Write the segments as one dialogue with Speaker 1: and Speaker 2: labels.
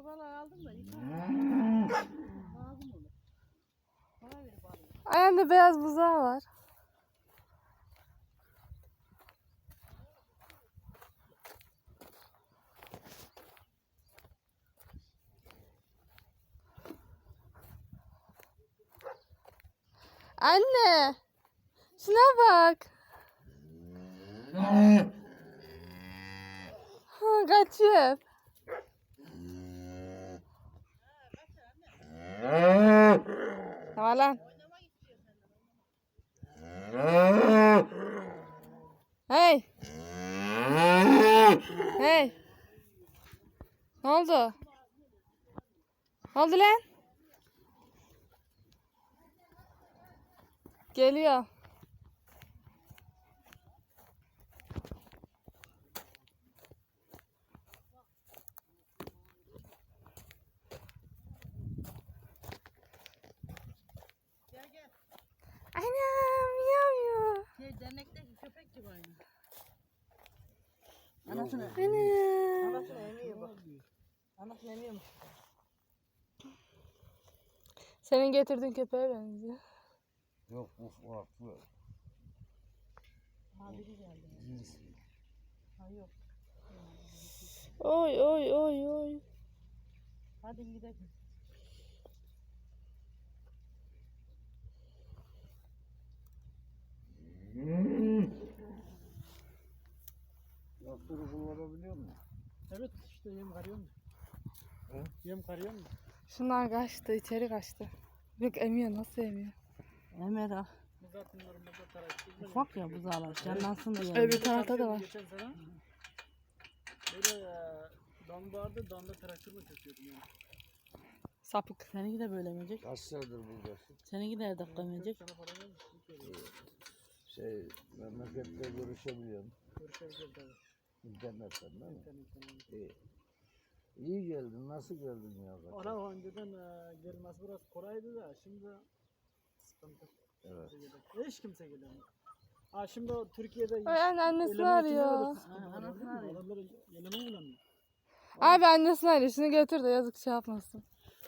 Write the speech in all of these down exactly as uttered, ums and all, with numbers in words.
Speaker 1: Kuru balığı aldım da iki lazım olur. Bana ver balığı.
Speaker 2: Ayağında beyaz buzağı var. Anne. Şuna bak. Ha, kaçıyor. Tamam lan. Hey. Hey. Ne oldu? Ne oldu lan? Geliyor.
Speaker 1: Gel gel.
Speaker 2: Anam yavru.
Speaker 1: Şey dernekteki köpek gibi aynı. Anasını.
Speaker 2: Anam.
Speaker 1: Anasını emiyor bak. Anasını emiyormuş.
Speaker 2: Senin getirdiğin köpeğe benziyor.
Speaker 3: Yok bu farklı.
Speaker 1: Ha biri geldi. Ha yok.
Speaker 2: Oy oy oy oy.
Speaker 1: Hadi gidelim.
Speaker 3: Traktörü kullanabiliyor musun?
Speaker 1: Evet işte yem karıyor mu?
Speaker 3: He?
Speaker 1: Yem karıyor mu?
Speaker 2: Şunlar kaçtı, içeri kaçtı. Yok emiyor, nasıl emiyor?
Speaker 1: Emer ah.
Speaker 4: Bu zaten normalde tarak.
Speaker 1: Ufak ya buzağlar. Canlansın diye.
Speaker 2: Öbür tarafta da var.
Speaker 4: Geçen sene böyle e, dam vardı, damda traktörle çekiyordum yani.
Speaker 2: Sapık.
Speaker 1: Seninki de böyle emecek.
Speaker 3: Kaç senedir buradasın?
Speaker 1: Seninki de her dakika emecek.
Speaker 4: Sana para gelmiş.
Speaker 3: Şey, memlekette görüşebiliyorum.
Speaker 4: Görüşebiliriz tabii.
Speaker 3: İnternetten değil mi?
Speaker 4: İnternetten.
Speaker 3: İyi. İyi geldin. Nasıl geldin ya?
Speaker 4: Ara önceden e, gelmez burası kolaydı da şimdi sıkıntı.
Speaker 3: Evet.
Speaker 4: Hiç kimse gelemiyor. Ha şimdi o Türkiye'de
Speaker 2: Ay anne, annesini
Speaker 4: eleme
Speaker 2: arıyor.
Speaker 4: için sıkıntı
Speaker 1: Ha,
Speaker 4: var,
Speaker 1: anasını
Speaker 4: değil mi?
Speaker 1: arıyor.
Speaker 4: Adamlar eleme bulamıyor.
Speaker 2: Abi annesini arıyor, şunu götür de yazık şey yapmasın.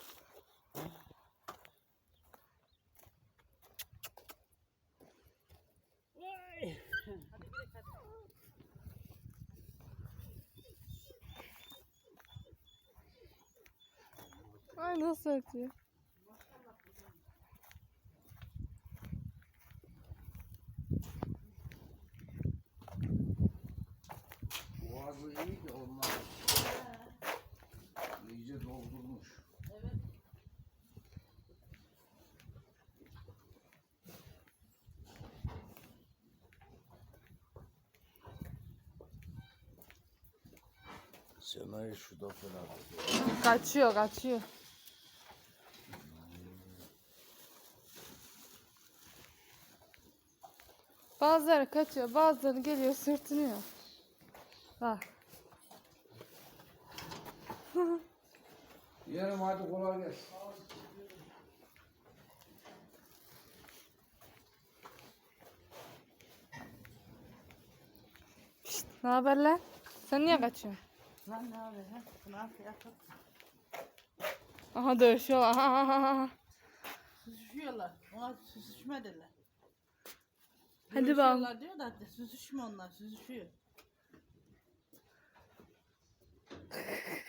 Speaker 2: Ay nasıl ötüyor?
Speaker 3: Boğazı iyi de onlar iyice doldurmuş. Senayı şu da fena.
Speaker 2: Kaçıyor, kaçıyor. Bazıları kaçıyor, bazıları geliyor sürtünüyor. Bak.
Speaker 3: Yerim hadi kolay gelsin.
Speaker 2: Ne haber lan? Sen niye kaçıyorsun?
Speaker 1: Lan ne abi ha? Bunu al yapıp.
Speaker 2: Aha dövüşüyorlar. Aha, aha, aha.
Speaker 1: Süzüşüyorlar. Ona süzüşme derler.
Speaker 2: Hadi bakalım.
Speaker 1: Dövüşüyorlar diyor da süzüşme onlar süzüşüyor.